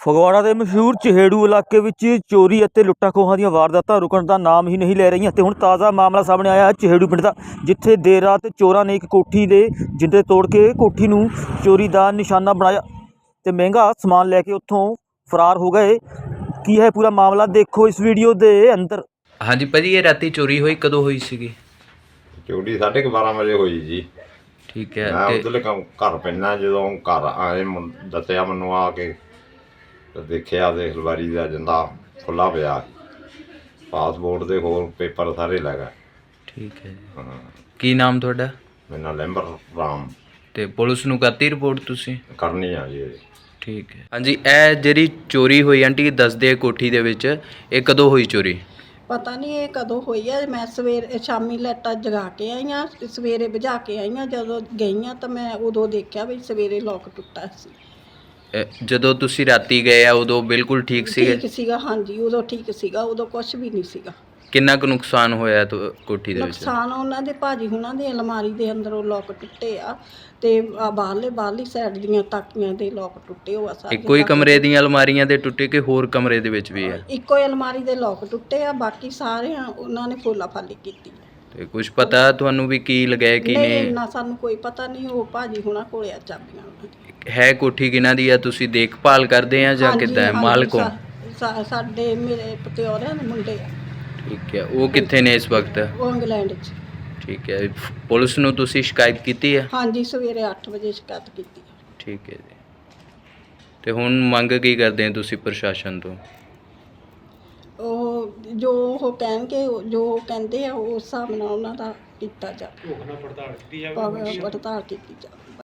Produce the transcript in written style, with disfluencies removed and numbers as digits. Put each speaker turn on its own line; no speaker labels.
ਫਗਵਾੜਾ ਦੇ ਮਸ਼ਹੂਰ ਚਹੇੜੂ ਇਲਾਕੇ ਵਿੱਚ ਚੋਰੀ ਅਤੇ ਲੁੱਟਾਂ ਖੋਹਾਂ ਦੀਆਂ ਵਾਰਦਾਤਾਂ ਰੁਕਣ ਦਾ ਨਾਮ ਹੀ ਨਹੀਂ ਲੈ ਰਹੀਆਂ ਤੇ ਹੁਣ ਤਾਜ਼ਾ ਮਾਮਲਾ ਸਾਹਮਣੇ ਆਇਆ ਹੈ ਚਹੇੜੂ ਪਿੰਡ ਦਾ, ਜਿੱਥੇ ਦੇਰ ਰਾਤ ਚੋਰਾਂ ਨੇ ਇੱਕ ਕੋਠੀ ਦੇ ਜਿੰਦੇ ਤੋੜ ਕੇ ਕੋਠੀ ਨੂੰ ਚੋਰੀ ਦਾ ਨਿਸ਼ਾਨਾ ਬਣਾਇਆ ਤੇ ਮਹਿੰਗਾ ਸਮਾਨ ਲੈ ਕੇ ਉੱਥੋਂ ਫਰਾਰ ਹੋ ਗਏ। ਕੀ ਹੈ ਪੂਰਾ ਮਾਮਲਾ, ਦੇਖੋ ਇਸ ਵੀਡੀਓ ਦੇ ਅੰਦਰ।
ਹਾਂਜੀ ਭਾਜੀ, ਇਹ ਰਾਤੀ ਚੋਰੀ ਹੋਈ ਕਦੋਂ ਹੋਈ ਸੀਗੀ?
ਚੋਰੀ 12:30 ਵਜੇ ਹੋਈ ਜੀ।
ਠੀਕ ਹੈ।
ਮੈਂ ਉਧਰਲੇ ਘਰ ਪੈਣਾ, ਜਦੋਂ ਘਰ ਆਏ ਦੱਸਿਆ ਮੈਨੂੰ ਆ ਕੇ ਤੇ ਦੇਖਿਆ ਤੇ ਅਲਮਾਰੀ ਦਾ ਜਿੰਦਾ ਖੁੱਲਾ ਪਿਆ, ਪਾਸਪੋਰਟ ਦੇ ਹੋਰ ਪੇਪਰ ਸਾਰੇ ਲੈ ਗਏ।
ਠੀਕ ਹੈ ਜੀ।
ਹਾਂ,
ਕੀ ਨਾਮ ਤੁਹਾਡਾ?
ਮੇਰਾ ਲੈਂਬਰ ਰਾਮ।
ਤੇ ਪੁਲਿਸ ਨੂੰ ਕਰਤੀ ਰਿਪੋਰਟ ਤੁਸੀਂ?
ਕਰਨੀ ਆ ਜੀ।
ਠੀਕ ਹੈ। ਹਾਂਜੀ, ਇਹ ਜਿਹੜੀ ਚੋਰੀ ਹੋਈ ਆਂਟੀ ਦੱਸਦੇ ਕੋਠੀ ਦੇ ਵਿੱਚ, ਇਹ ਕਦੋਂ ਹੋਈ ਚੋਰੀ?
ਪਤਾ ਨਹੀਂ ਇਹ ਕਦੋਂ ਹੋਈ ਹੈ। ਮੈਂ ਸ਼ਾਮੀ ਲਾਈਟਾਂ ਜਗਾ ਕੇ ਆਈ ਹਾਂ, ਸਵੇਰੇ ਬੁਝਾ ਕੇ ਆਈ ਹਾਂ। ਜਦੋਂ ਗਈ ਹਾਂ ਤਾਂ ਮੈਂ ਉਦੋਂ ਦੇਖਿਆ ਵੀ ਸਵੇਰੇ ਲੋਕ ਟੁੱਟਾ ਸੀ।
ਜਦੋਂ ਤੁਸੀਂ ਰਾਤੀ ਗਏ ਆ ਉਦੋਂ ਬਿਲਕੁਲ ਠੀਕ ਸੀਗੇ?
ਠੀਕ ਸੀਗਾ, ਹਾਂਜੀ ਉਦੋਂ ਠੀਕ ਸੀਗਾ, ਉਦੋਂ ਕੁਝ ਵੀ ਨਹੀਂ ਸੀਗਾ।
ਕਿੰਨਾ ਕੁ ਨੁਕਸਾਨ ਹੋਇਆ ਕੋਠੀ ਦੇ ਵਿੱਚ?
ਨੁਕਸਾਨ ਉਹਨਾਂ ਦੇ ਭਾਜੀ ਹੁਣਾਂ ਦੇ ਅਲਮਾਰੀ ਦੇ ਅੰਦਰੋਂ ਲੋਕ ਟੁੱਟੇ ਆ ਤੇ ਬਾਹਰਲੀ ਸਾਈਡ ਦੀਆਂ ਤਾਕੀਆਂ ਦੇ ਲੋਕ ਟੁੱਟੇ ਹੋਆ ਸਾਰੇ।
ਇੱਕੋ ਹੀ ਕਮਰੇ ਦੀਆਂ ਅਲਮਾਰੀਆਂ ਦੇ ਟੁੱਟੇ ਕਿ ਹੋਰ ਕਮਰੇ ਦੇ ਵਿੱਚ ਵੀ ਹੈ?
ਇੱਕੋ ਹੀ ਅਲਮਾਰੀ ਦੇ ਲੋਕ ਟੁੱਟੇ ਆ, ਬਾਕੀ ਸਾਰੇ ਉਹਨਾਂ ਨੇ ਫੋਲਾ ਫਾਲੀ ਕੀਤੀ।
ਤੇ ਕੁਝ ਪਤਾ ਤੁਹਾਨੂੰ ਵੀ ਕੀ ਲਗਾਇਆ ਕੀ
ਨਹੀਂ,
ਨਹੀਂ?
ਇੰਨਾ ਸਾਨੂੰ ਕੋਈ ਪਤਾ ਨਹੀਂ। ਉਹ ਭਾਜੀ ਹੁਣਾਂ ਕੋਲੇ ਆ ਚਾਬੀਆਂ ਉਹਨਾਂ ਦੀਆਂ।
ਹੈ ਕੋਠੀ ਕਿਹਨਾਂ ਦੀ ਆ? ਤੁਸੀਂ ਦੇਖਭਾਲ ਕਰਦੇ ਆ ਜਾਂ
ਹਾਂਜੀ,
ਕਿੱਦਾਂ ਹੈ?
ਹਾਂਜੀ,
ਮਾਲਕੋਂ?
ਸਾਡੇ ਮੇਰੇ ਪਤਿਓਰਿਆਂ ਦੇ ਮੁੰਡੇ ਆ।
ਠੀਕ ਹੈ। ਉਹ ਕਿੱਥੇ ਨੇ ਇਸ ਵਕਤ?
ਉਹ ਇੰਗਲੈਂਡ 'ਚ।
ਠੀਕ ਹੈ। ਪੁਲਿਸ ਨੂੰ ਤੁਸੀਂ ਸ਼ਿਕਾਇਤ ਕੀਤੀ ਹੈ?
ਹਾਂਜੀ, ਸਵੇਰੇ 8 ਵਜੇ ਸ਼ਿਕਾਇਤ ਕੀਤੀ।
ਠੀਕ ਹੈ ਜੀ। ਤੇ ਹੁਣ ਮੰਗ ਕੀ ਕਰਦੇ ਹੋ ਤੁਸੀਂ ਪ੍ਰਸ਼ਾਸਨ ਤੋਂ?
ਉਹ ਜੋ ਉਹ ਕਹਿਣਗੇ, ਜੋ ਉਹ ਕਹਿੰਦੇ ਆ ਉਸ ਹਿਸਾਬ ਨਾਲ ਉਹਨਾਂ ਦਾ ਕੀਤਾ ਜਾਵੇ। ਪੜਤਾਲ ਕੀਤੀ ਜਾਵੇ।